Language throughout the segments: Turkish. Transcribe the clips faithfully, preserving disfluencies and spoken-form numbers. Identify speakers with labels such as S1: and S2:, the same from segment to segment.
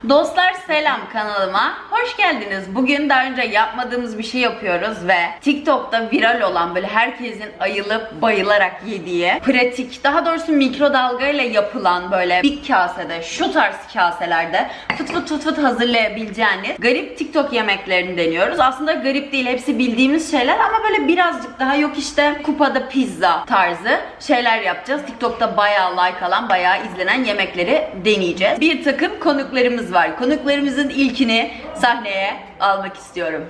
S1: Dostlar selam, kanalıma hoş geldiniz. Bugün daha önce yapmadığımız bir şey yapıyoruz ve TikTok'ta viral olan, böyle herkesin ayılıp bayılarak yediği, pratik, daha doğrusu mikrodalga ile yapılan böyle bir kasede, şu tarz kaselerde fıt fıt fıt fıt hazırlayabileceğiniz garip TikTok yemeklerini deniyoruz. Aslında garip değil, hepsi bildiğimiz şeyler ama böyle birazcık daha yok işte kupada pizza tarzı şeyler yapacağız. TikTok'ta bayağı like alan, bayağı izlenen yemekleri deneyeceğiz. Bir takım konuklarımız var. Konuklarımızın ilkini sahneye almak istiyorum.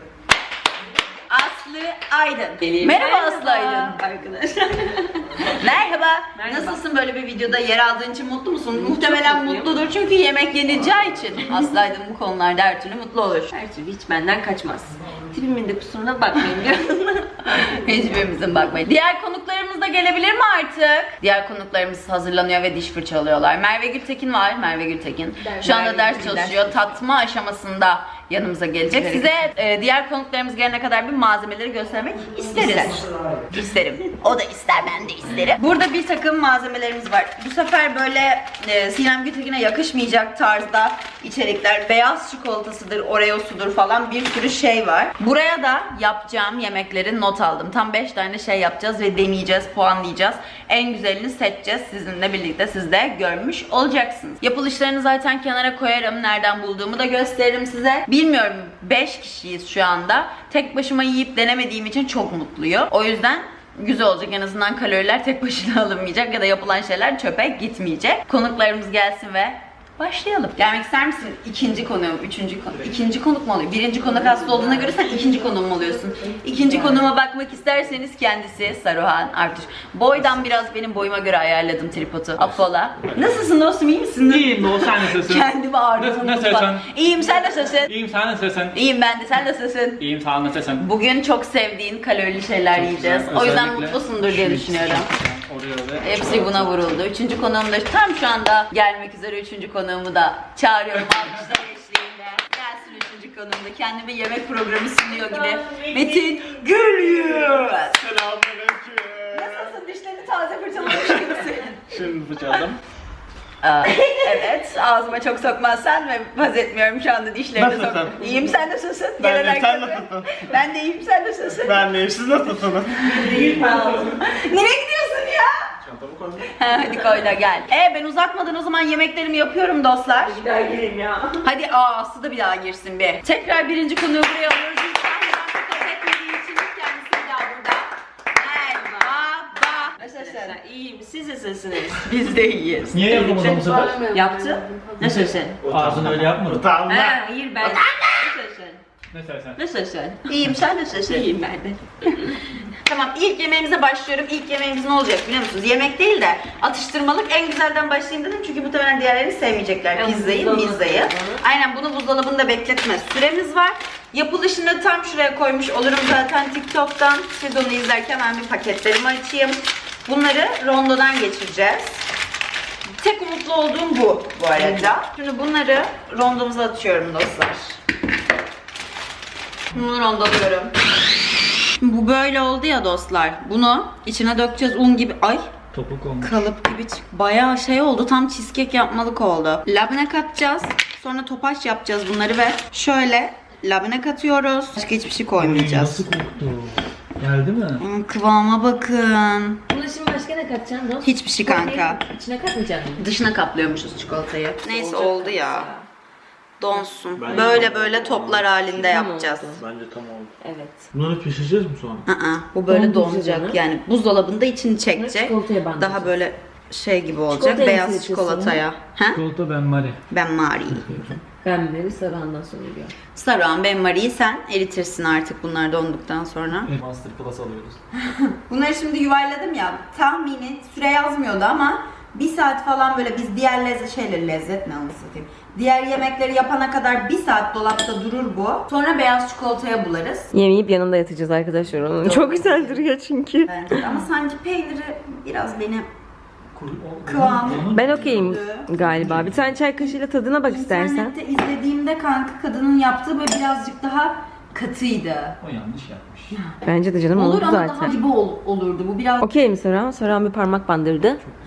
S1: Aslı Aydın. Merhaba, Merhaba Aslı Aydın.
S2: Arkadaşlar.
S1: Merhaba.
S2: Merhaba.
S1: Nasılsın, böyle bir videoda yer aldığın için mutlu musun? Muhtemelen mutludur çünkü yemek yenileceği için. Aslı Aydın bu konularda her türlü mutlu olur.
S2: Her türlü hiç benden kaçmaz. Tipimin de kusuruna bakmayın diyorum.
S1: Hiçbirimizin bakmayın. Diğer konuklarımız da gelebilir mi artık? Diğer konuklarımız hazırlanıyor ve diş fırçalıyorlar. Merve Gültekin var. Merve Gültekin.
S2: Ders,
S1: Şu anda
S2: Merve
S1: ders
S2: Gültekin
S1: çalışıyor.
S2: ders
S1: Tatma aşamasında yanımıza gelecek.
S2: Evet.
S1: Size e, diğer konuklarımız gelene kadar bir malzemeleri göstermek isteriz.
S2: İster.
S1: İsterim. O da ister, ben de isterim. Burada bir takım malzemelerimiz var. Bu sefer böyle e, Sinem Gültekin'e yakışmayacak tarzda içerikler. Beyaz çikolatasıdır, Oreo'sudur falan bir sürü şey var. Buraya da yapacağım yemekleri not aldım. Tam beş tane şey yapacağız ve deneyeceğiz, puanlayacağız. En güzelini seçeceğiz. Sizinle birlikte siz de görmüş olacaksınız. Yapılışlarını zaten kenara koyarım. Nereden bulduğumu da gösteririm size. Bilmiyorum, beş kişiyiz şu anda. Tek başıma yiyip denemediğim için çok mutluyum. O yüzden güzel olacak. En azından kaloriler tek başına alınmayacak ya da yapılan şeyler çöpe gitmeyecek. Konuklarımız gelsin ve başlayalım. Gelmek ister misin? İkinci konuğum, üçüncü konuk. İkinci konuk mu oluyor? Birinci konuk hasta olduğuna göre sen ikinci konuğum mu oluyorsun? İkinci konuğuma bakmak isterseniz kendisi Saruhan Artuş. Boydan biraz benim boyuma göre ayarladım tripodu. Afola. Nasılsın dostum, iyi misin?
S3: İyiyim Doğu, sen nasılsın?
S1: Kendimi ağrıdım.
S3: Nasıl- nasılsın?
S1: İyiyim, sen nasılsın?
S3: İyiyim, sen nasılsın?
S1: İyiyim ben de, sen nasılsın?
S3: İyiyim, sen nasılsın?
S1: Bugün çok sevdiğin kalorili şeyler
S3: Çok
S1: yiyeceğiz.
S3: güzel.
S1: O yüzden
S3: Özellikle
S1: mutlusundur diye
S3: şu
S1: düşünüyorum.
S3: Oraya ve
S1: Hepsi buna vuruldu. Üçüncü konuğum da tam şu anda gelmek üzere, üçüncü konuğumu da çağırıyorum alkışlar eşliğinde. Gelsin üçüncü konuğum da kendime yemek programı sunuyor gibi. Metin Gülyüz.
S3: Selamünaleyküm.
S1: Nasılsın? Dişlerini taze fırçalamış gibisin.
S3: Şimdi fırçaladım.
S1: Aa, evet, ağzıma çok sokmazsan ve haz etmiyorum şu anda dişlerini sok.
S3: Nasılsın?
S1: İyiyim, sen nasılsın?
S3: Ben de,
S1: Gelen
S3: sen
S1: herkese.
S3: nasılsın?
S1: Ben de iyiyim, sen nasılsın?
S3: Ben neyim, siz nasılsınız?
S1: Nereye gidiyorsun ya?
S3: Çantamı koydum.
S1: Ha, hadi koy da gel. E ben uzatmadan o zaman yemeklerimi yapıyorum dostlar.
S2: Bir daha gireyim ya.
S1: Hadi aa, Aslı da bir daha girsin bir. Tekrar birinci konuyu buraya alıyoruz. Lütfen neden kabul etmediği için kendisi bir daha burada. Merhaba.
S2: Nasılsın? İyiyim. Siz nasılsınız?
S1: Biz de iyiyiz.
S3: Niye yapamadım bu sefer?
S2: Yaptı. Nasılsın?
S3: Ağzını öyle yapmadım.
S2: Ha,
S3: Utanma.
S2: hayır ben. Nasılsın?
S3: Ne sen?
S2: Nasılsın?
S1: İyiyim, sen nasılsın?
S2: İyiyim ben de.
S1: Tamam, ilk yemeğimize başlıyorum. İlk yemeğimiz ne olacak biliyor musunuz? Yemek değil de atıştırmalık, en güzelden başlayayım dedim çünkü muhtemelen diğerlerini sevmeyecekler.
S2: Evet,
S1: Pizzayı,
S2: buzdolabı.
S1: mizzayı. Aynen, bunu buzdolabında bekletme süremiz var. Yapılışını tam şuraya koymuş olurum zaten TikTok'tan. Siz onu izlerken ben bir paketlerimi açayım. Bunları rondodan geçireceğiz. Tek umutlu olduğum bu bu arada. Şimdi bunları rondomuza atıyorum dostlar. Bunu rondalıyorum. Bu böyle oldu ya dostlar. Bunu içine dökeceğiz, un gibi. Ay,
S3: Topuk olmuş.
S1: kalıp gibi çık. Bayağı şey oldu. Tam cheesecake yapmalık oldu. Labne katacağız. Sonra topaç yapacağız bunları ve şöyle labne katıyoruz. Başka hiçbir şey koymayacağız.
S3: Nasıl koktu? Geldi mi?
S1: Hmm, kıvama bakın.
S2: Buna şimdi başka ne katacaksın dost?
S1: Hiçbir şey kanka.
S2: İçine katmayacaksın.
S1: Dışına kaplıyormuşuz çikolatayı. Neyse
S2: Olacak
S1: oldu ya.
S2: ya.
S1: Donsun.
S3: Bence
S1: Böyle
S3: de
S1: böyle
S3: oldu.
S1: toplar halinde
S2: Tamam
S1: yapacağız.
S2: oldu.
S3: Bence tam oldu.
S2: Evet.
S3: Bunları pişireceğiz mi sonra?
S1: Aa, bu böyle
S2: Dondurucu
S1: donacak.
S2: canım.
S1: Yani buzdolabında içini çekecek.
S2: Çikolataya bandıracağız.
S1: Daha böyle şey gibi olacak.
S2: Çikolataya
S1: Beyaz
S2: nasıl
S1: çikolataya. Ha?
S3: Çikolata ben Mari.
S1: Ben Mari.
S2: Ben beri sarıhandan sonra diyor.
S1: Saruhan, ben Mari'yi sen eritirsin artık bunlar donduktan sonra.
S3: Masterclass alıyoruz.
S1: Bunları şimdi yuvarladım ya. Tahmini süre yazmıyordu ama bir saat falan böyle biz diğer lezzet şeyleri, lezzet ne anlatayım. Diğer yemekleri yapana kadar bir saat dolapta durur bu. Sonra beyaz çikolataya bularız.
S2: Yemeyip yanında yatacağız arkadaşlar onun. Çok güzel duruyor çünkü.
S1: Bence de. Ama sanki peyniri biraz beni kıvamı.
S2: Ben okeyim galiba. Bir tane çay kaşığıyla tadına bak istersen.
S1: İnternette izlediğimde kanka kadının yaptığı böyle birazcık daha katıydı.
S3: O yanlış yapmış.
S2: Bence de canım
S1: Olur
S2: oldu
S1: ama daha
S2: zaten.
S1: gibi ol- olurdu. Bu biraz
S2: Okey mi Saran? Saran bir parmak bandırdı.
S3: Çok güzel olmuş.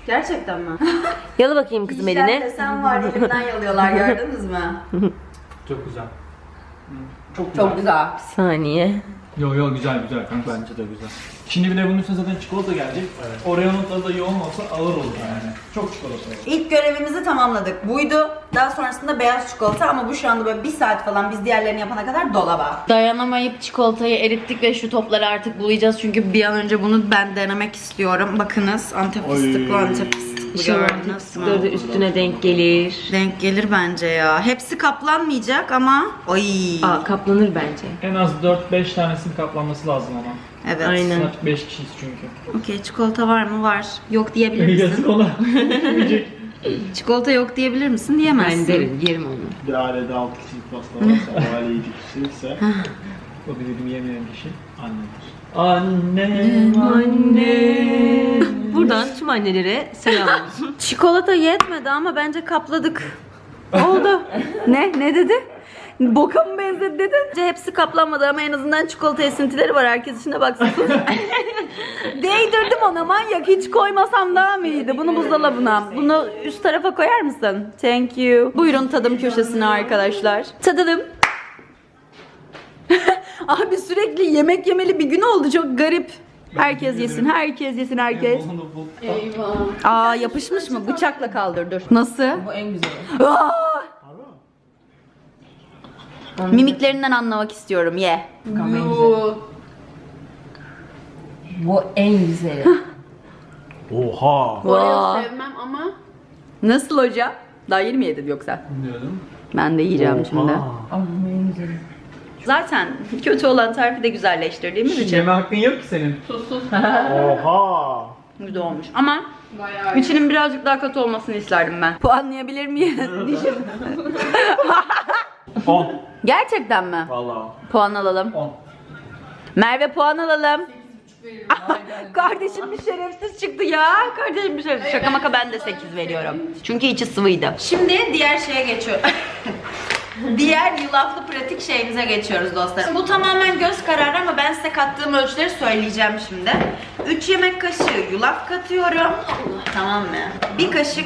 S1: Gerçekten mi?
S2: Yala bakayım kızım
S1: İşler
S2: eline.
S1: desen var, elimden yalıyorlar, gördünüz mü?
S3: Çok güzel. Çok güzel.
S1: Çok güzel.
S2: Bir saniye.
S3: Yo yo güzel güzel kanka. Bence de güzel. Şimdi bir de bunun üstüne zaten çikolata gelecek. Evet. Oreo'nun tadı da yoğun olsa ağır olur yani. Çok çikolata olur.
S1: İlk görevimizi tamamladık. Buydu. Daha sonrasında beyaz çikolata ama bu şu anda böyle bir saat falan biz diğerlerini yapana kadar dolaba. Dayanamayıp çikolatayı erittik ve şu topları artık bulayacağız. Çünkü bir an önce bunu ben denemek istiyorum. Bakınız Antep fıstıklı Antep fıstıklı.
S2: İnşallah
S1: Gördünüz
S2: fıstıkları da
S1: mı?
S2: üstüne denk gelir.
S1: Denk gelir bence ya. Hepsi kaplanmayacak ama ay.
S2: Aa kaplanır bence.
S3: En az dört beş tanesinin kaplanması lazım ama.
S1: Evet.
S2: Aynen.
S3: Saat beş kişiyiz çünkü.
S1: Okey, çikolata var mı? Var. Yok diyebilir misin?
S3: Yazık ona. Yemeyecek.
S1: Çikolata yok diyebilir misin? Diyemezsin.
S2: Ben derim, yerim onu.
S4: Bir ailede altı kişilik pasta varsa, o aile yedi kişi ise
S3: O bizim yemeyen kişi annedir. Annem,
S2: Anne. Buradan tüm annelere selam olsun.
S1: Çikolata yetmedi ama bence kapladık. Oldu. Ne? Ne dedi? Boka mı benzedi dedin? Bence hepsi kaplanmadı ama en azından çikolata esintileri var. Herkes içine baksın. Değdirdim ona, manyak. Hiç koymasam daha mı iyiydi? Bunu buzdolabına. Bunu üst tarafa koyar mısın? Thank you. Buyurun tadım köşesine arkadaşlar. Tadalım. Abi sürekli yemek yemeli bir gün oldu. Çok garip. Herkes yesin, herkes yesin, herkes. Aa, yapışmış mı? Bıçakla kaldır dur. Nasıl?
S2: Bu en güzeli.
S1: Aa! Mimiklerinden anlamak istiyorum. Ye.
S2: Bakalım en güzeli. Bu en güzeli.
S4: oha!
S1: Vaa.
S5: Sevmem ama
S1: Nasıl hocam? Daha yeni mi yedin yoksa?
S3: Diyordum.
S1: Ben de yiyeceğim şimdi.
S2: Ama bu en güzeli.
S1: Zaten kötü olan tarifi de güzelleştirdiğimiz
S3: Hiç
S1: için
S3: yeme hakkın yok ki senin.
S4: Oha!
S1: güzel olmuş. Ama
S5: bayağı iyi.
S1: içinin birazcık daha katı olmasını isterdim ben. Puanlayabilir miyim? Dişim.
S3: on.
S1: Gerçekten mi?
S3: Valla.
S1: Puan alalım.
S3: on.
S1: Merve puan alalım. Kardeşim bir şerefsiz çıktı ya. Kardeşim bir şerefsiz. Şaka maka ben de sekiz veriyorum. Çünkü içi sıvıydı. Şimdi diğer şeye geçiyor. Diğer yulaflı pratik şeyimize geçiyoruz dostlarım. Bu tamamen göz kararı ama ben size kattığım ölçüleri söyleyeceğim şimdi. üç yemek kaşığı yulaf katıyorum. Tamam mı? bir kaşık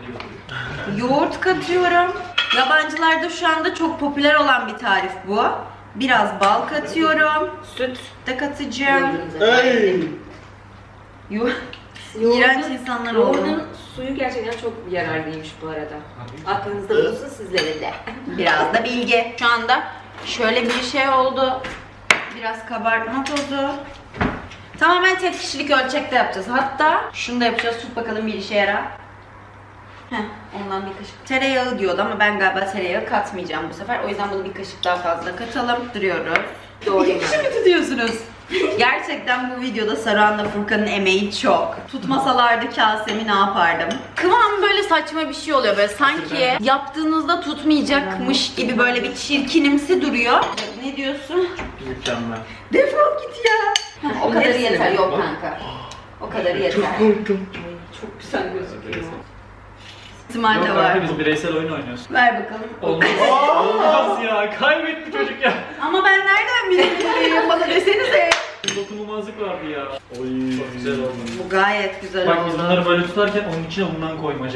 S1: yoğurt katıyorum. Yabancılarda şu anda çok popüler olan bir tarif bu. Biraz bal katıyorum. Süt de katacağım.
S4: Hey!
S1: Yu İğrenç insanlar oldu.
S2: Yoğurdun suyu gerçekten çok yararlıymış bu arada. Aklınızda bulunsun sizlere de.
S1: Biraz da bilgi. Şu anda şöyle bir şey oldu. Biraz kabartma tozu. Tamamen tek kişilik ölçekte yapacağız. Hatta şunu da yapacağız. Tut bakalım bir işe yarar. Heh, ondan bir kaşık. Tereyağı diyordu ama ben galiba tereyağı katmayacağım bu sefer. O yüzden bunu bir kaşık daha fazla katalım. Duruyoruz.
S2: Doğru
S1: İki kişi mi tutuyorsunuz? Gerçekten bu videoda Saruhan'la Furkan'ın emeği çok. Tutmasalardı kasemi ne yapardım? Kıvam böyle saçma bir şey oluyor. Böyle sanki yaptığınızda tutmayacakmış gibi böyle bir çirkinimsi duruyor. Ne diyorsun?
S3: Mükemmel.
S1: Defol git ya. O kadarı yeter. Yok kanka. O kadarı yeter.
S2: Çok güzel gözüküyor.
S1: İhtimal de
S3: Yok
S1: var.
S3: kanka biz bireysel oyun oynuyoruz.
S1: Ver bakalım.
S3: Olmaz. Olmaz ya. Kaybetti çocuk ya.
S1: Ama ben nereden bileyim? Bana desenize.
S3: Dokunulmazlık vardı ya.
S4: Oy.
S3: Çok güzel oldu.
S1: Bu gayet güzel
S3: Bak biz
S1: oldu.
S3: bunları böyle tutarken onun içine bundan koymaca.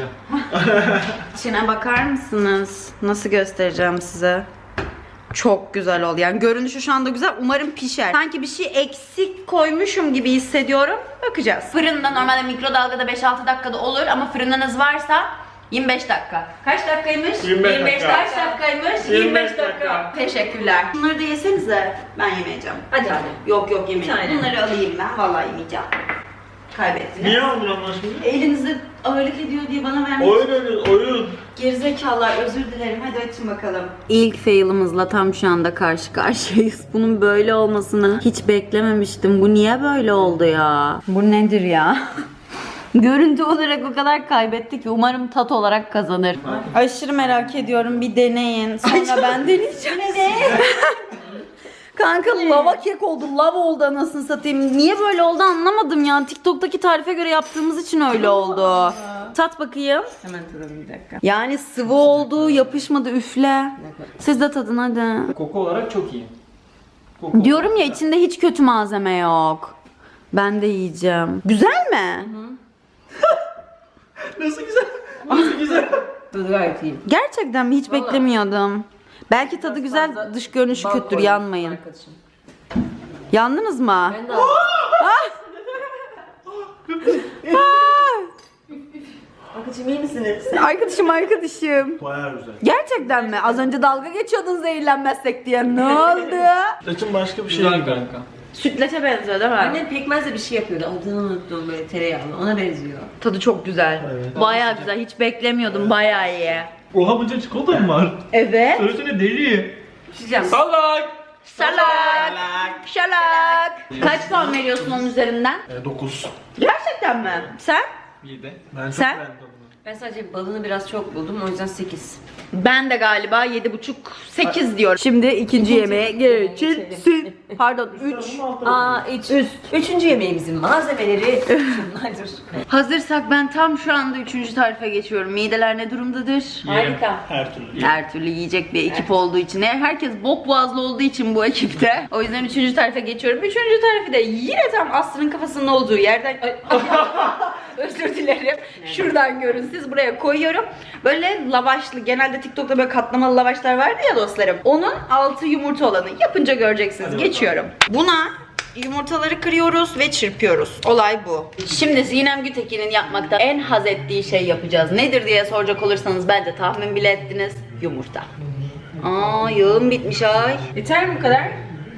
S1: İçine bakar mısınız? Nasıl göstereceğim size? Çok güzel oldu. Yani görünüşü şu anda güzel. Umarım pişer. Sanki bir şey eksik koymuşum gibi hissediyorum. Bakacağız. Fırında normalde mikrodalgada beş altı dakikada olur ama fırınınız varsa yirmi beş dakika. Kaç dakikaymış?
S4: yirmi beş dakika.
S1: Kaç dakikaymış?
S4: yirmi beş dakika.
S1: Teşekkürler. Bunları da yesenize. Ben yemeyeceğim.
S2: Hadi hadi.
S1: Yok yok yemeyeceğim.
S2: Bir tane.
S1: Bunları alayım ben. Vallahi yemeyeceğim. Kaybettiniz.
S4: Niye aldın Allah aşkına?
S1: Elinizde ağırlık ediyor diye bana vermeyin.
S4: Oyun oynuyoruz, oyun.
S1: Gerizekalılar, özür dilerim. Hadi açın bakalım. İlk fail'ımızla tam şu anda karşı karşıyayız. Bunun böyle olmasını hiç beklememiştim. Bu niye böyle oldu ya? Bu nedir ya? Görüntü olarak o kadar kaybetti ki umarım tat olarak kazanır. Aşırı merak ediyorum. Bir deneyin. Sonra ben deneyeceğim. Kanka lava kek oldu. Lav oldu anasını satayım. Niye böyle oldu anlamadım ya. TikTok'taki tarife göre yaptığımız için öyle oldu. Tat bakayım.
S2: Hemen tadalım bir dakika.
S1: Yani sıvı oldu, yapışmadı, üfle. Siz de tadın hadi.
S3: Koku olarak çok iyi. Koku
S1: Diyorum ya içinde hiç kötü malzeme yok. Ben de yiyeceğim. Güzel mi?
S3: Nasıl güzel? Nasıl güzel?
S2: Tadı gayet iyi.
S1: Gerçekten mi? Hiç
S2: Vallahi.
S1: beklemiyordum. Belki tadı güzel,
S2: fazla
S1: dış görünüşü
S2: bal
S1: kötüdür,
S2: koydum
S1: yanmayın.
S2: arkadaşım.
S1: Yandınız mı?
S2: Ben de Arkadaşım iyi misiniz?
S1: Arkadaşım arkadaşım.
S4: Bayağı güzel.
S1: Gerçekten mi? Az önce dalga geçiyordun zehirlenmezsek diye. Ne oldu?
S4: Saçın başka bir şey
S3: Güzel
S4: değil.
S3: kanka.
S1: Sütlaça benziyor değil mi?
S2: Annem pekmezle bir şey yapıyordu. Adını unuttum, böyle tereyağlı. Ona benziyor.
S1: Tadı çok güzel.
S4: Evet.
S1: Bayağı güzel. Hiç beklemiyordum. Bayağı iyi.
S3: Oha bunca çikolata mı var?
S1: Evet.
S3: Söylesene deli.
S2: Pişeceğim.
S3: Salak.
S1: Salak. Şalak. Kaç puan veriyorsun onun üzerinden?
S4: E, dokuz.
S1: Gerçekten mi? Sen?
S3: Yedi.
S4: Ben çok
S1: Sen?
S4: beğendim tadını.
S2: Ben sadece balını biraz çok buldum, o yüzden sekiz.
S1: Ben de galiba yedi buçuk sekiz diyorum. Şimdi ikinci yemeğe geçilsin. Pardon üç.
S2: Aa, üç.
S1: Üst.
S2: Üçüncü yemeğimizin malzemeleri şunlardır.
S1: Hazırsak ben tam şu anda üçüncü tarife geçiyorum. Mideler ne durumdadır?
S2: Harika.
S4: Her türlü.
S1: Her türlü yiyecek bir ekip olduğu için. Herkes bok boğazlı olduğu için bu ekipte. O yüzden üçüncü tarife geçiyorum. Üçüncü tarifi de yine tam Aslı'nın kafasının olduğu yerden... Ay, özür dilerim. Şuradan görün siz, buraya koyuyorum. Böyle lavaşlı, genelde TikTok'ta böyle katlamalı lavaşlar vardı ya dostlarım. Onun altı yumurta olanı. Yapınca göreceksiniz.
S4: Hadi
S1: Geçiyorum. Buna yumurtaları kırıyoruz ve çırpıyoruz. Olay bu. Şimdi Sinem Gütekin'in yapmakta en haz ettiği şey yapacağız. Nedir diye soracak olursanız bence tahmin bile ettiniz. Yumurta. Aa, yağım bitmiş ay.
S2: Yeter mi bu kadar?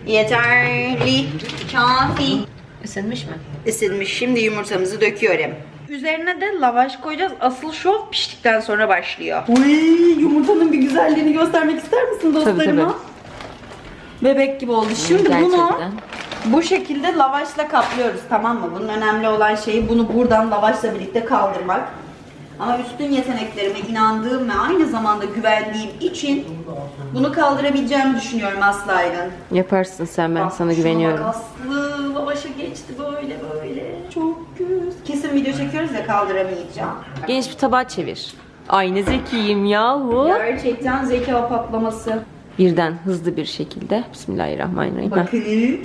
S1: Yeterli. Kafi.
S2: Isınmış mı?
S1: Isınmış. Şimdi yumurtamızı döküyorum. Üzerine de lavaş koyacağız. Asıl şov piştikten sonra başlıyor. Uy, yumurtanın bir güzelliğini göstermek ister misin dostlarıma?
S2: Tabii,
S1: Bebek gibi oldu. Şimdi bunu
S2: Gerçekten.
S1: bu şekilde lavaşla kaplıyoruz, tamam mı? Bunun önemli olan şeyi bunu buradan lavaşla birlikte kaldırmak. Ama üstün yeteneklerime inandığım ve aynı zamanda güvendiğim için bunu kaldırabileceğimi düşünüyorum Aslı Aydın.
S2: Yaparsın sen, ben
S1: Bak,
S2: sana
S1: şuna
S2: güveniyorum.
S1: bak Aslı, lavaşa geçti böyle böyle. Çok güzel. Kesin video çekiyoruz ya, kaldıramayacağım.
S2: Geniş bir tabağa çevir. Ay ne zekiyim yahu.
S1: Gerçekten zeka patlaması.
S2: Birden hızlı bir şekilde. Bismillahirrahmanirrahim. Heh.
S1: Bakın.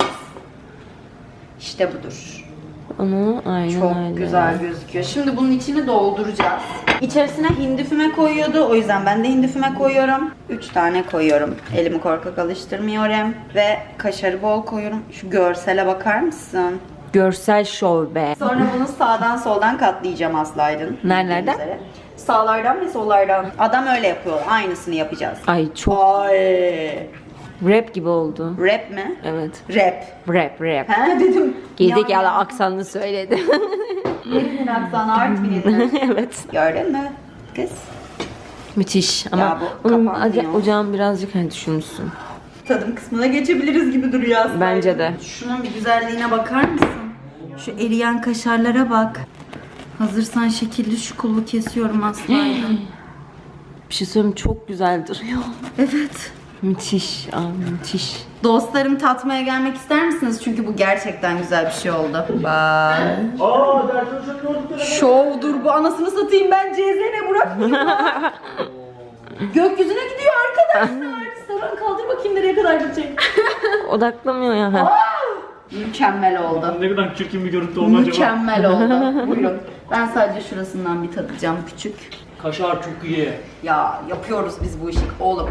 S1: İşte budur.
S2: Onu aynen
S1: Çok
S2: öyle.
S1: güzel gözüküyor. Şimdi bunun içini dolduracağız. İçerisine hindi füme koyuyordu. O yüzden ben de hindi füme koyuyorum. üç tane koyuyorum. Elimi korkak alıştırmıyorum. Ve kaşarı bol koyuyorum. Şu görsele bakar mısın?
S2: Görsel şov be.
S1: Sonra bunu sağdan soldan katlayacağım Aslı Aydın.
S2: Nerelerden?
S1: Bildiğiniz üzere. Sağlardan ve sollardan. Adam öyle yapıyor. Aynısını yapacağız.
S2: Ay çok
S1: Ay.
S2: rap gibi oldu.
S1: Rap mi?
S2: Evet.
S1: Rap.
S2: Rap rap.
S1: Ha dedim.
S2: Gerizekalı aksanını söyledi.
S1: Nerinin aksanı Artvin'in.
S2: Evet.
S1: Gördün mü? Kız.
S2: Müthiş ama
S1: Ya bu
S2: onun
S1: kapanmıyor.
S2: aca- ocağın birazcık hani düşünmüşsün.
S1: Tadım kısmına geçebiliriz gibi duruyor aslında.
S2: Bence de.
S1: Şunun bir güzelliğine bakar mısın? Şu eriyen kaşarlara bak. Hazırsan şekilli şukullu kesiyorum aslında.
S2: Bir şey söyleyeyim, çok güzel duruyor.
S1: Evet.
S2: Müthiş, aa, müthiş.
S1: Dostlarım, tatmaya gelmek ister misiniz? Çünkü bu gerçekten güzel bir şey oldu. Bak.
S4: Aa, dersin çok yorduk.
S1: Şovdur bu, anasını satayım, ben C Z ne bırakmayayım lan. Gökyüzüne gidiyor arkadaşlar. Saran kaldır bakayım nereye kadar gidecek.
S2: Odaklamıyor ya. Ha.
S1: Mükemmel oldu.
S3: Ne kadar çirkin bir görüntü oldu acaba?
S1: Mükemmel oldu. Buyurun. Ben sadece şurasından bir tadacağım küçük.
S3: Kaşar çok iyi.
S1: Ya yapıyoruz biz bu işi oğlum.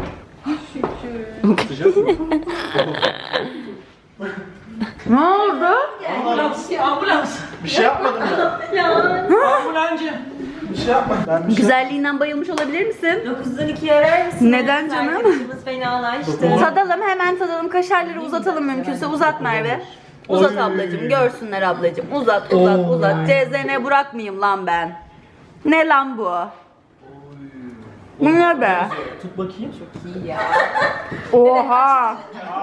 S3: Sıcak mı?
S1: Ne oldu?
S3: Ambulans. Ambulans.
S4: Bir şey yapmadım ya.
S3: Ambulancı.
S4: Bir şey yapmadım. Ben bir şey
S1: Güzelliğinden bayılmış olabilir misin?
S2: dokuzdan ikiye arar mısın?
S1: Neden canım?
S2: Arkadaşımız fenalaştı.
S1: Tadalım, hemen tadalım. Kaşarları uzatalım mümkünse. Uzat Merve. Uzat ablacığım. Görsünler ablacığım. Uzat uzat uzat. C Z N bırakmayayım lan ben. Ne lan bu? Bu ne be?
S3: Tut bakayım.
S1: Oha.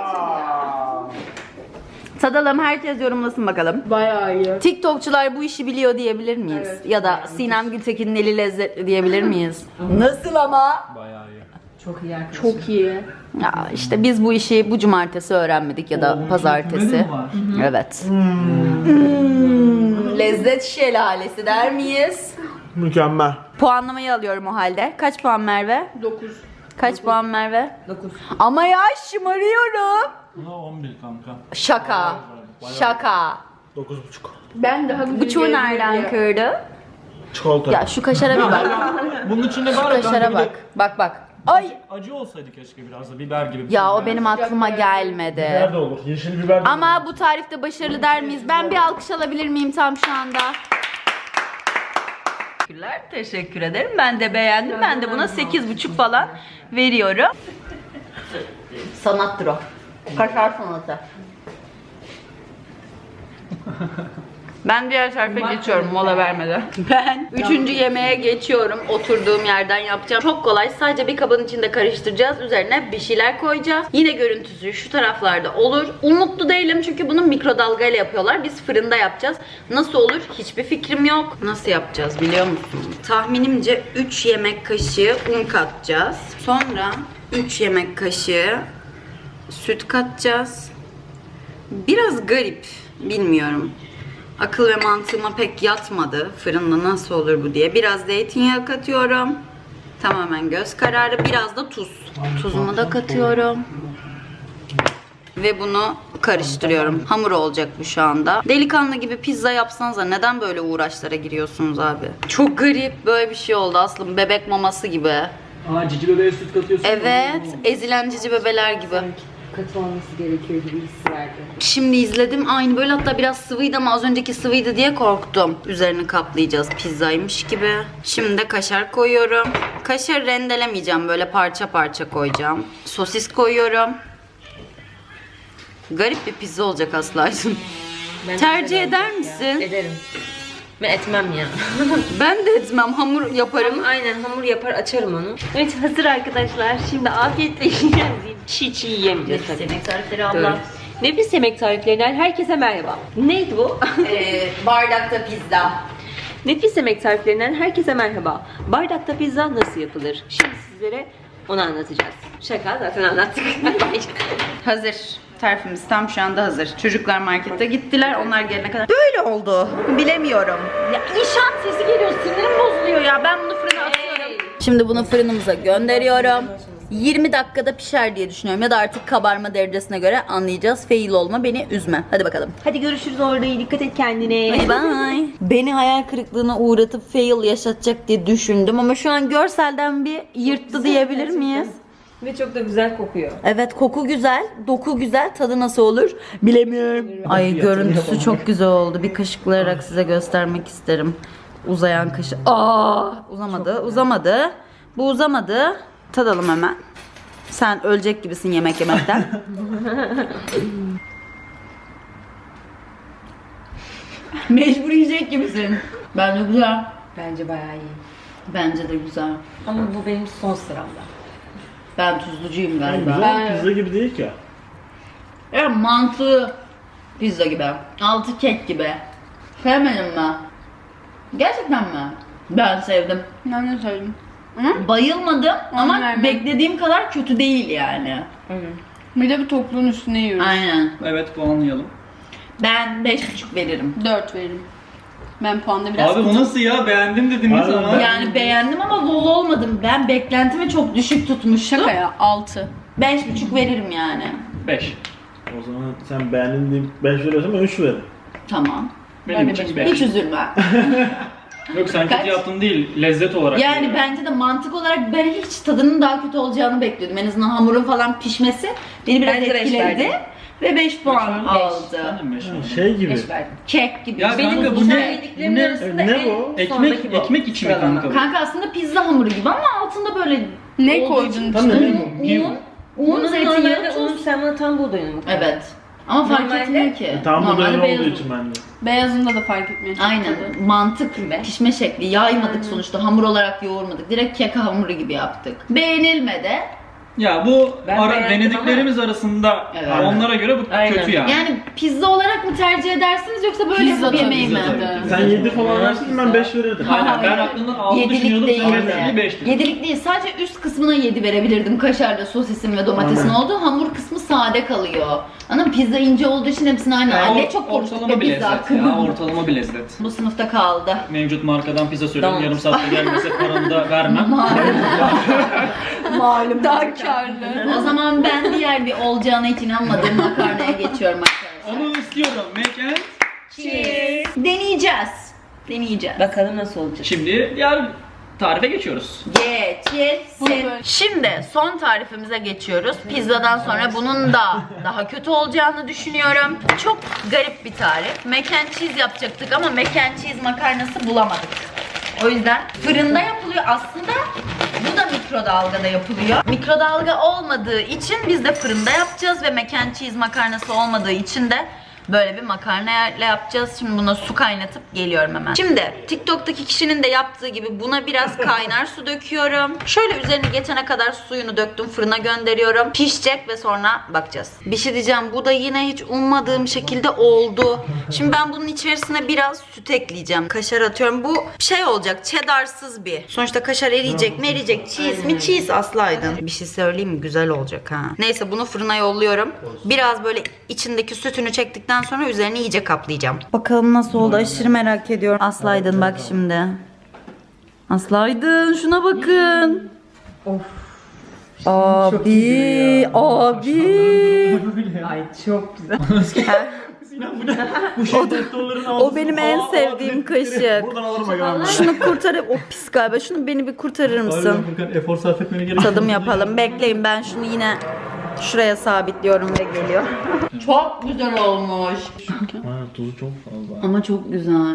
S1: Tadalım, herkes yorumlasın bakalım.
S2: Bayağı iyi.
S1: TikTokçular bu işi biliyor diyebilir miyiz? Ya da Sinem Gültekin'in eli lezzetli diyebilir miyiz? Nasıl ama?
S3: Bayağı iyi.
S2: Çok iyi arkadaşım.
S1: Çok iyi. Ya işte biz bu işi bu cumartesi öğrenmedik ya da
S3: Oo,
S1: pazartesi.
S3: küfürmedi mi var?
S1: Evet. Hmm, lezzet şelalesi der miyiz?
S4: Mükemmel.
S1: Puanlamayı alıyorum o halde. Kaç puan Merve?
S2: dokuz.
S1: Kaç puan Merve?
S2: dokuz.
S1: Ama ya şımarıyorum.
S3: Buna on bir kanka.
S1: Şaka. Şaka.
S4: Dokuz buçuk.
S2: Ben daha güzel
S1: Buçuğu nereden kırdı?
S4: Çikolata.
S1: Ya şu kaşara bir bak.
S3: Bunun içinde
S1: Şu
S3: var ya
S1: kaşara
S3: kanka bir de
S1: bak. Bak bak. Ay.
S3: acı olsaydı keşke biraz da biber gibi. bir
S1: Ya
S3: şey
S1: o
S3: yani.
S1: benim aklıma gelmedi.
S4: Biber de olur. Yeşil biber de
S1: Ama
S4: olur.
S1: bu tarifte başarılı der miyiz? Ben bir alkış alabilir miyim tam şu anda? Teşekkürler, teşekkür ederim. Ben de beğendim. Ben de buna sekiz buçuk falan veriyorum. Sanattır o. Kaşar sanatı. Ben diğer tarife geçiyorum mola vermeden. Ben üçüncü yemeğe geçiyorum. Oturduğum yerden yapacağım. Çok kolay. Sadece bir kabın içinde karıştıracağız. Üzerine bir şeyler koyacağız. Yine görüntüsü şu taraflarda olur. Umutlu değilim çünkü bunu mikrodalgayla yapıyorlar. Biz fırında yapacağız. Nasıl olur? Hiçbir fikrim yok. Nasıl yapacağız biliyor musun? Tahminimce üç yemek kaşığı un katacağız. Sonra üç yemek kaşığı süt katacağız. Biraz garip. Bilmiyorum. Akıl ve mantığıma pek yatmadı. Fırında nasıl olur bu diye. Biraz zeytinyağı katıyorum. Tamamen göz kararı. Biraz da tuz. Tuzumu da katıyorum. Ve bunu karıştırıyorum. Hamur olacak bu şu anda. Delikanlı gibi pizza yapsanıza neden böyle uğraşlara giriyorsunuz abi? Çok garip böyle bir şey oldu aslında. Bebek maması gibi.
S3: Aa cici bebeğe süt katıyorsun.
S1: Evet. Ezilen cici bebeler gibi.
S2: Katı olması gerekiyor gibi his verdi.
S1: Şimdi izledim. Aynı böyle, hatta biraz sıvıydı ama az önceki sıvıydı diye korktum. Üzerini kaplayacağız pizzaymış gibi. Şimdi de kaşar koyuyorum. Kaşar rendelemeyeceğim. Böyle parça parça koyacağım. Sosis koyuyorum. Garip bir pizza olacak Aslı'cığım.
S2: Ben
S1: Tercih
S2: güzel
S1: eder
S2: olacak
S1: misin?
S2: ya. Ederim. Ben etmem ya.
S1: Ben de etmem. Hamur yaparım.
S2: Aynen hamur yapar açarım onu. Evet hazır arkadaşlar. Şimdi afiyetle yiyeceğiz. Çiğ çiğ yiyemeyeceğiz tabii.
S1: Yemek tarifleri
S2: Dur.
S1: abla.
S2: Nefis yemek tariflerinden herkese merhaba. Neydi bu?
S1: Ee, bardakta pizza.
S2: Nefis yemek tariflerinden herkese merhaba. Bardakta pizza nasıl yapılır? Şimdi sizlere onu anlatacağız. Şaka zaten anlattık.
S1: Hazır. Tarifimiz tam şu anda hazır. Çocuklar markete gittiler. Onlar gelene kadar. Böyle oldu. Bilemiyorum. Ya inşaat sesi geliyor. Sinirim bozuluyor ya. Ben bunu fırına atıyorum. Şimdi bunu fırınımıza gönderiyorum. yirmi dakikada pişer diye düşünüyorum. Ya da artık kabarma derecesine göre anlayacağız. Fail olma, beni üzme. Hadi bakalım.
S2: Hadi görüşürüz orada. Dikkat et kendine.
S1: Bye bye. Beni hayal kırıklığına uğratıp fail yaşatacak diye düşündüm. Ama şu an görselden bir yırttı diyebilir miyiz?
S2: Ve çok da güzel kokuyor.
S1: Evet, koku güzel, doku güzel, tadı nasıl olur bilemiyorum. Ay görüntüsü çok güzel oldu. Bir kaşıklayarak size göstermek isterim. Uzayan kaşık. Aa, uzamadı, uzamadı. Bu uzamadı. Tadalım hemen. Sen ölecek gibisin yemek yemekten. Mecbur yiyecek gibisin. Bence güzel.
S2: Bence bayağı iyi.
S1: Bence de güzel.
S2: Ama bu benim son sıramda.
S1: Ben tuzlucuyum galiba.
S4: Güzel pizza gibi değil ki.
S1: Evet, mantı pizza gibi. Altı kek gibi. Sevmedin mi? Gerçekten mi? Ben sevdim.
S5: Ben de söyledim.
S1: Bayılmadım ama
S5: vermem.
S1: beklediğim kadar kötü değil yani.
S5: Bir de bir topluğun üstüne yiyoruz.
S1: Aynen.
S3: Evet puanlayalım.
S1: Ben beş buçuk veririm.
S5: dört veririm. Ben puanda biraz...
S3: Abi bu nasıl ya? Beğendim dediniz
S4: Abi,
S3: ama.
S1: Yani beğendim ama lol olmadım. Ben beklentimi çok düşük tutmuştum.
S5: Şaka ya, altı.
S1: Beş buçuk veririm yani.
S3: beş.
S4: O zaman sen beğendin deyip beş veriyorsan ben üç veririm.
S1: Tamam.
S3: Benim
S5: Ben de
S3: için
S5: beş.
S3: beş.
S1: Hiç üzülme.
S3: Yok sen
S1: Kaç?
S3: kötü yaptın değil, lezzet olarak.
S1: Yani
S3: diyorum.
S1: bence de mantık olarak ben hiç tadının daha kötü olacağını bekliyordum. En azından hamurun falan pişmesi beni biraz
S2: Ben de beş
S1: etkiledi.
S2: verdim.
S1: Ve beş puan
S3: Ben
S1: aldı.
S3: de beş verdim.
S4: Şey gibi.
S2: Beş verdim.
S1: Kek gibi.
S3: Ya
S1: Benim
S3: kanka
S1: bu
S3: bu
S1: şey-
S3: ne?
S2: Yediklerimin
S3: Ne?
S2: arasında
S4: Ne
S2: en
S4: bu?
S3: Ekmek,
S2: sondaki bu.
S3: ekmek içi mi
S2: Sıralama.
S3: kanka bu?
S1: Kanka aslında pizza hamuru gibi ama altında böyle
S5: Ne
S1: olduğu
S5: koydun
S1: için-
S4: Tam ne
S5: içine?
S4: bileyim.
S1: Un, un,
S2: Bunun
S1: zeytinyağı,
S2: normalde
S1: tuz.
S2: unun sen bana tam buğdayını mı koydun?
S1: Evet. Ama fark
S2: Normalde-
S1: etmiyor ki.
S4: Tam bu
S1: Normalde
S4: dönem
S1: beyaz
S4: olduğu
S1: un.
S4: için bende.
S5: Beyazında da fark etmiyor.
S1: Aynen. Mantık pişme şekli. Yaymadık sonuçta. Hamur olarak yoğurmadık. Direkt kek hamuru gibi yaptık. Beğenilmedi.
S3: Ya bu
S2: Ben
S3: ara,
S2: beğendim
S3: denediklerimiz arasında
S1: Evet.
S3: onlara göre bu
S2: Aynen.
S3: kötü yani.
S1: Yani pizza olarak mı tercih edersiniz yoksa böyle
S5: Pizza
S1: bir yemeği mi?
S5: tabii, pizza tabii.
S4: Sen yedi falan versin ben beş verirdim.
S3: Aynen, ben aklımdan altı
S1: Yedilik
S3: düşünüyordum,
S1: değil.
S3: sen mesela beş dedin.
S1: Yedilik değil. Sadece üst kısmına yedi verebilirdim. Kaşarda sosisin ve domatesin
S4: Aynen.
S1: olduğu. Hamur kısmı sade kalıyor. Anladın mı? Pizza ince olduğu için hepsini aynı.
S3: Ya,
S1: Ne
S3: or-
S1: çok konuştuk
S3: ortalama
S1: be
S3: bir
S1: pizza
S3: lezzet
S1: hakkında.
S3: ya, ortalama bir lezzet.
S1: Bu sınıfta kaldı.
S3: Mevcut markadan pizza söylüyorum,
S2: Tamam.
S3: yarım saatte gelmese paranı da vermem.
S1: Malum.
S5: Daha karlı.
S1: O zaman ben diğer bir olacağına hiç inanmadığım makarnaya geçiyorum arkadaşlar.
S3: Onu istiyorum, make and
S1: Cheers. Deneyeceğiz. deneyeceğiz.
S2: Bakalım nasıl olacak.
S3: Şimdi diğer tarife geçiyoruz.
S1: Geçilsin. Şimdi son tarifimize geçiyoruz. Pizzadan sonra bunun da daha kötü olacağını düşünüyorum. Çok garip bir tarif. Mac and cheese yapacaktık ama mac and cheese makarnası bulamadık. O yüzden fırında yapılıyor. Aslında bu da mikrodalgada yapılıyor. Mikrodalga olmadığı için biz de fırında yapacağız ve mac and cheese makarnası olmadığı için de böyle bir makarnayla yapacağız. Şimdi buna su kaynatıp geliyorum hemen. Şimdi TikTok'taki kişinin de yaptığı gibi buna biraz kaynar su döküyorum. Şöyle üzerine geçene kadar suyunu döktüm. Fırına gönderiyorum. Pişecek ve sonra bakacağız. Bir şey diyeceğim. Bu da yine hiç ummadığım şekilde oldu. Şimdi ben bunun içerisine biraz süt ekleyeceğim. Kaşar atıyorum. Bu şey olacak. Cheddarsız bir. Sonuçta kaşar eriyecek mi eriyecek. Cheese mi cheese aslaydın. Bir şey söyleyeyim mi? Güzel olacak ha. Neyse bunu fırına yolluyorum. Biraz böyle içindeki sütünü çektikten sonra üzerine iyice kaplayacağım. Bakalım nasıl oldu, aşırı merak ediyorum. Aslaydın bak şimdi. Aslaydın şuna bakın. Of. Abi, abi.
S2: Ay çok güzel.
S3: Sinan bu ne? Bu şey doktorların
S1: O benim en sevdiğim kaşık.
S4: Buradan alırım aga.
S1: Şunu kurtarıp, o pis galiba. Şunu beni bir kurtarır mısın?
S3: Furkan efor sarf etmene gerek yok.
S1: Tadım yapalım. Bekleyin, ben şunu yine şuraya sabitliyorum ve geliyor. Çok güzel olmuş.
S4: Ha, tuzu çok fazla.
S1: Ama çok güzel.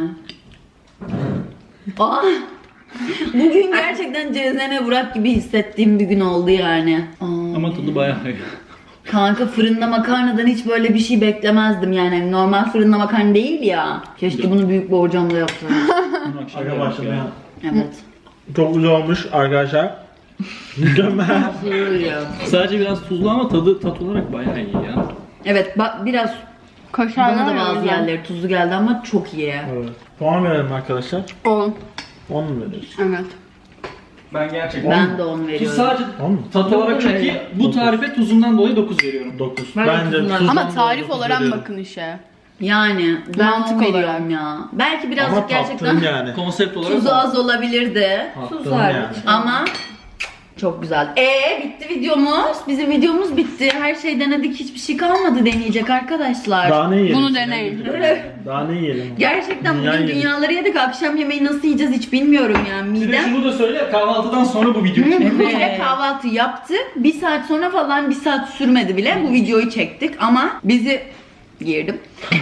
S1: Aa, bugün gerçekten Cezene Burak gibi hissettiğim bir gün oldu yani. Aa,
S3: Ama tadı bayağı iyi.
S1: kanka fırında makarnadan hiç böyle bir şey beklemezdim yani. Normal fırında makarna değil ya. Keşke bunu büyük borcamla yapsaydım.
S4: Aga başladı ya.
S1: Evet.
S4: Çok güzel olmuş arkadaşlar. Mükemmel.
S3: Sadece biraz tuzlu ama tadı tat olarak bayağı iyi ya.
S1: Evet, bak biraz
S5: Kaşarlar
S1: bana da bazı
S5: güzel.
S1: yerleri tuzlu geldi ama çok iyi.
S4: Evet. Puan verelim arkadaşlar.
S5: on.
S4: on mu veriyoruz?
S5: Evet.
S3: Ben gerçekten
S1: Ben de on
S3: tuz
S1: veriyorum.
S3: sadece
S4: on mu?
S3: tat olarak çok iyi. Bu tarife tuzundan dolayı dokuz veriyorum.
S4: dokuz.
S1: Ben
S4: Bence
S1: dokuzdan-
S4: tuzdan
S5: Ama tarif
S4: dokuz
S5: olarak
S4: veriyorum.
S5: bakın işe.
S1: Yani ben
S5: Mantık
S1: on veriyorum
S5: olarak.
S1: ya. Belki birazcık
S4: Ama
S1: gerçekten
S4: tattın yani.
S3: Konsept olarak
S1: tuzu az olabilirdi.
S4: Tattın yani.
S1: Ama çok güzel. Ee bitti videomuz. Bizim videomuz bitti. Her şey denedik. Hiçbir şey kalmadı deneyecek arkadaşlar.
S4: Daha ne yiyelim?
S5: Bunu deneyin.
S4: Daha ne yiyelim?
S1: Gerçekten
S4: Dünya
S1: bugün
S4: yedik.
S1: dünyaları yedik. Akşam yemeği nasıl yiyeceğiz hiç bilmiyorum yani.
S3: Bir de
S1: Midem.
S3: şunu da söyle, kahvaltıdan sonra bu video.
S1: Böyle kahvaltı yaptık. Bir saat sonra falan, bir saat sürmedi bile bu videoyu çektik ama bizi girdim.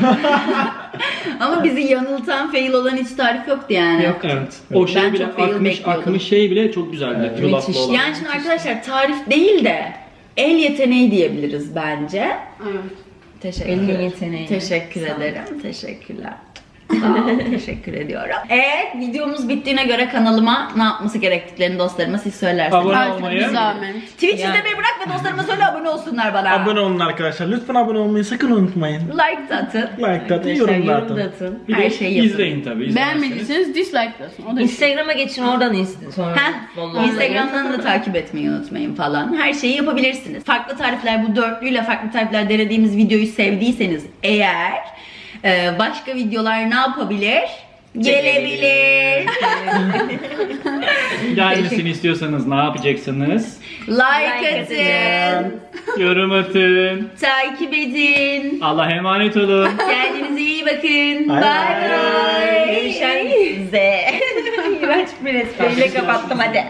S1: Ama bizi yanıltan, fail olan hiç tarif yoktu yani.
S3: Yok evet. O şey
S1: Ben
S3: bile
S1: çok fail
S3: akmış,
S1: bekliyordum.
S3: akmış şey bile çok güzeldi.
S4: Evet.
S3: Yulaflı
S1: Müthiş.
S3: olan.
S1: Yani şimdi arkadaşlar tarif değil de el yeteneği diyebiliriz bence.
S5: Evet.
S1: Teşekkür
S2: Elin
S1: ederim.
S2: yeteneği.
S1: Teşekkür ederim. Teşekkürler. Sağ ol, teşekkür ediyorum. Evet, videomuz bittiğine göre kanalıma ne yapması gerektiklerini dostlarıma siz söylerseniz.
S3: Abone
S5: Artık
S3: olmayı.
S5: bir zahmet.
S1: Twitch izlemeyi bırak ve dostlarıma söyle abone olsunlar bana.
S4: Abone olun arkadaşlar. Lütfen abone olmayı sakın unutmayın.
S1: Like da atın.
S4: Like da atın,
S2: Arkadaşlar,
S4: yorum da
S2: yorum
S4: atın.
S2: da atın.
S3: Bir
S1: Her
S3: de
S1: şeyi yapın.
S3: izleyin tabii. izlemezseniz.
S5: Beğenmediyseniz dislike atın. O da
S2: Instagram'a geçin, oradan izleyin sonra.
S1: Heh,
S2: follow.
S1: Instagram'dan da takip etmeyi unutmayın falan. Her şeyi yapabilirsiniz. Farklı tarifler, bu dörtlüyle farklı tarifler denediğimiz videoyu sevdiyseniz eğer e, başka videolar ne yapabilir? Gelebilir.
S3: Gelmesini istiyorsanız ne yapacaksınız?
S1: Like
S2: Like
S1: atın.
S3: Yorum atın.
S1: Takip edin.
S3: Allah'a emanet olun.
S1: Kendinize iyi bakın.
S4: Bye
S1: Bye
S4: bye.
S1: bye. Görüşürüz. İğrenç bir espriyle kapattım hadi.